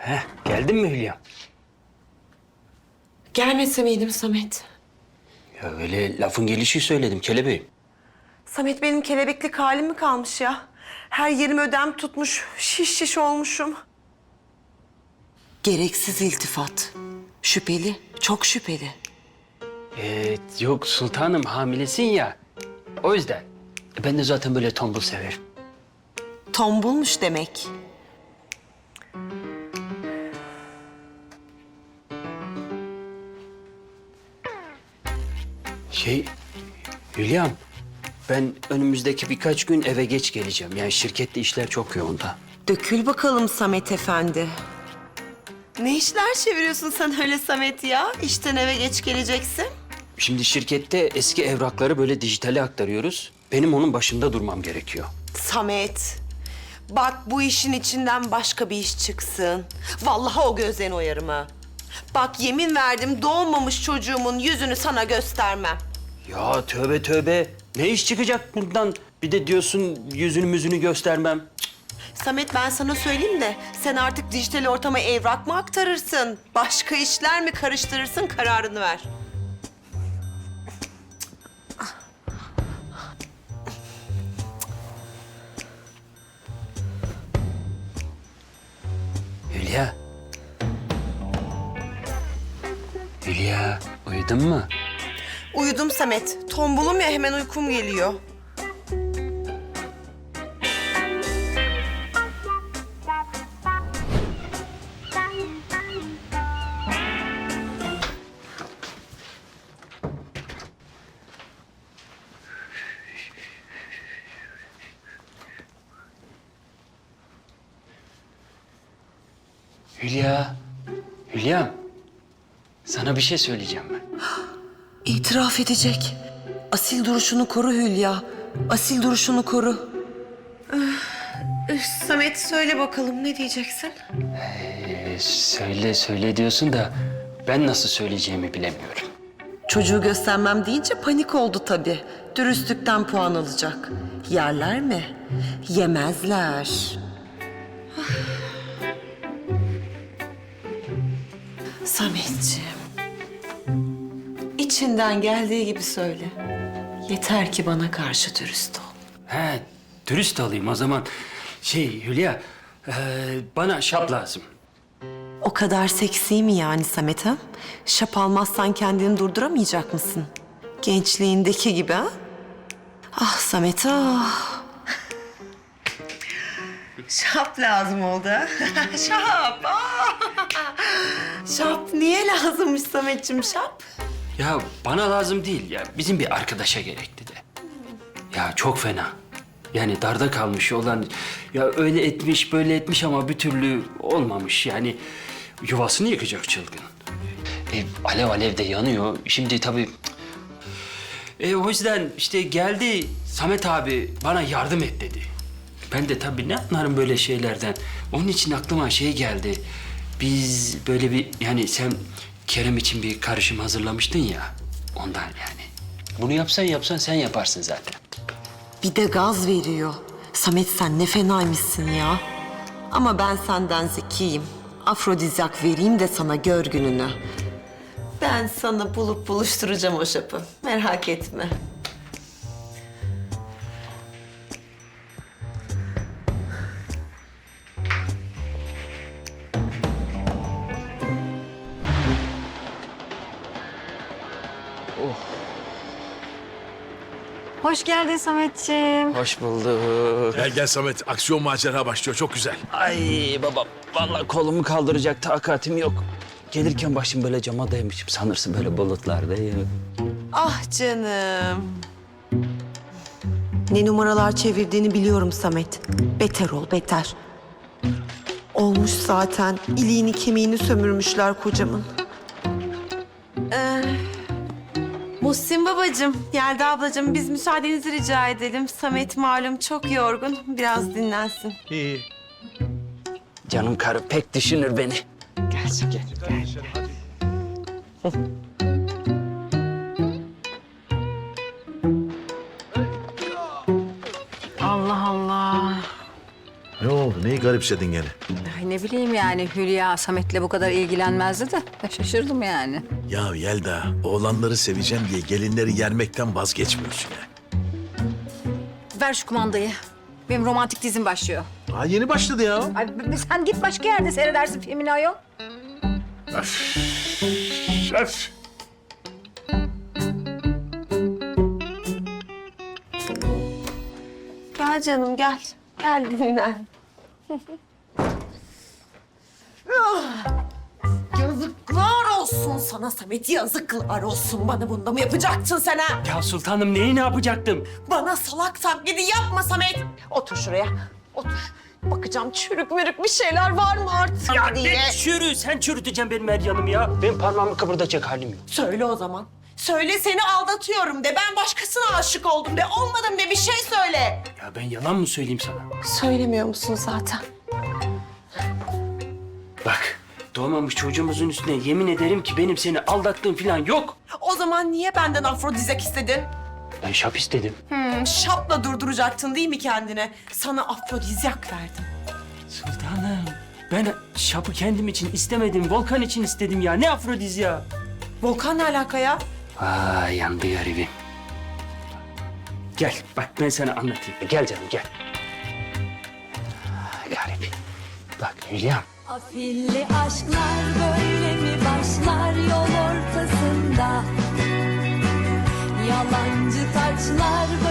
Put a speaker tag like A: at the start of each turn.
A: Geldin mi Hülya?
B: Gelmese miydim Samet?
A: Ya öyle lafın gelişi söyledim kelebeğim.
B: Samet benim kelebeklik halim mi kalmış ya? Her yerim ödem tutmuş, şiş olmuşum. Gereksiz iltifat. Şüpheli, çok şüpheli.
A: Yok sultanım hamilesin ya. O yüzden. Ben de zaten böyle tombul severim.
B: Tombulmuş demek.
A: Hülya'm, ben önümüzdeki birkaç gün eve geç geleceğim. Yani şirkette işler çok yoğun da.
B: Dökül bakalım Samet Efendi. Ne işler çeviriyorsun sen öyle Samet ya? İşten eve geç geleceksin.
A: Şimdi şirkette eski evrakları böyle dijitale aktarıyoruz. Benim onun başında durmam gerekiyor.
B: Samet, bak bu işin içinden başka bir iş çıksın. Vallahi o gözden oyarım ha. Bak yemin verdim doğmamış çocuğumun yüzünü sana göstermem.
A: Ya tövbe tövbe. Ne iş çıkacak buradan? Bir de diyorsun yüzünü müzünü göstermem.
B: Samet ben sana söyleyeyim de sen artık dijital ortama evrak mı aktarırsın? Başka işler mi karıştırırsın kararını ver.
A: Hülya. Hülya, uyudun mu?
B: Uyudum Samet. Tombulum ya hemen uykum geliyor.
A: Hülya. Hülya. Sana bir şey söyleyeceğim ben.
B: İtiraf edecek. Asil duruşunu koru Hülya. Asil duruşunu koru. Samet söyle bakalım ne diyeceksin?
A: Söyle diyorsun da ben nasıl söyleyeceğimi bilemiyorum.
B: Çocuğu göstermem deyince panik oldu tabii. Dürüstlükten puan alacak. Yerler mi? Yemezler. Sametciğim. İçinden geldiği gibi söyle. Yeter ki bana karşı dürüst ol.
A: Dürüst olayım o zaman. Hülya, bana şap lazım.
B: O kadar seksi mi yani Samet ha? Şap almazsan kendini durduramayacak mısın? Gençliğindeki gibi ha? Ah Samet ah. Şap lazım oldu ha? Şap. Ah. Şap niye lazımmış Sametciğim şap?
A: Ya bana lazım değil ya. Bizim bir arkadaşa gerekti de. Ya çok fena. Yani darda kalmış olan... Ya öyle etmiş böyle etmiş ama bir türlü olmamış. Yani yuvasını yıkacak çılgın. Alev alev de yanıyor. Şimdi tabii... o yüzden işte geldi Samet abi bana yardım et dedi. Ben de tabii ne anlarım böyle şeylerden. Onun için aklıma şey geldi. Biz böyle bir yani sen Kerem için bir karışım hazırlamıştın ya. Ondan yani. Bunu yapsan sen yaparsın zaten.
B: Bir de gaz veriyor. Samet sen ne fenaymışsın ya. Ama ben senden zekiyim. Afrodizyak vereyim de sana gör gününü. Ben sana bulup buluşturacağım o şapı. Merak etme.
C: Hoş geldin Sametciğim.
A: Hoş bulduk.
D: Gel Samet, aksiyon macera başlıyor. Çok güzel.
A: Ay babam vallahi kolumu kaldıracak takatim yok. Gelirken başım böyle cama dayamışım sanırsın böyle bulutlardayım.
B: Ah canım. Ne numaralar çevirdiğini biliyorum Samet. Beter ol, beter. Olmuş zaten. İliğini kemiğini sömürmüşler kocamın. Muhsin babacığım, Yelda ablacığım biz müsaadenizi rica edelim. Samet malum çok yorgun. Biraz dinlensin.
D: İyi.
A: Canım karı pek düşünür beni. Gel.
C: Allah Allah.
D: Ne oldu? neyi garipsedin gene?
E: Ay ne bileyim yani Hülya Samet'le bu kadar ilgilenmezdi de şaşırdım yani.
D: Ya Yelda, oğlanları seveceğim diye gelinleri yermekten vazgeçmiyorsun ya.
E: Ver şu kumandayı. Benim romantik dizim başlıyor.
D: Daha yeni başladı ya.
E: Ay sen git başka yerde seyredersin filmini ayol.
D: Öf.
B: Gel canım gel. Gel dinlen. Yazıklar olsun sana Samet, yazıklar olsun. Bana bunda mı yapacaktın sen ha?
A: Ya sultanım neyi ne yapacaktım?
B: Bana salak taklidi yapma Samet. Otur şuraya, otur. Bakacağım çürük mürük bir şeyler var mı artık
A: Ya
B: diye.
A: ne çürü? Sen çürüteceksin benim her yanımı ya. Ben parmağımı kıpırdatacak halim yok.
B: Söyle o zaman. Söyle seni aldatıyorum de, ben başkasına aşık oldum de, olmadım de, bir şey söyle.
A: Ya ben yalan mı söyleyeyim sana?
B: Söylemiyor musun zaten?
A: Bak, doğmamış çocuğumuzun üstüne yemin ederim ki benim seni aldattığım falan yok.
B: O zaman niye benden afrodizyak istedin?
A: Ben şap istedim.
B: Şapla durduracaktın değil mi kendine? Sana afrodizyak verdim.
A: Sultanım, ben şapı kendim için istemedim, Volkan için istedim ya. Ne afrodizya?
B: Volkan ne alaka ya?
A: Vay yandı garibim. Gel, bak ben sana anlatayım. Gel canım, gel. Garip. Bak Hülya'm.
F: Afilli aşklar böyle mi başlar yol ortasında? Yalancı taçlar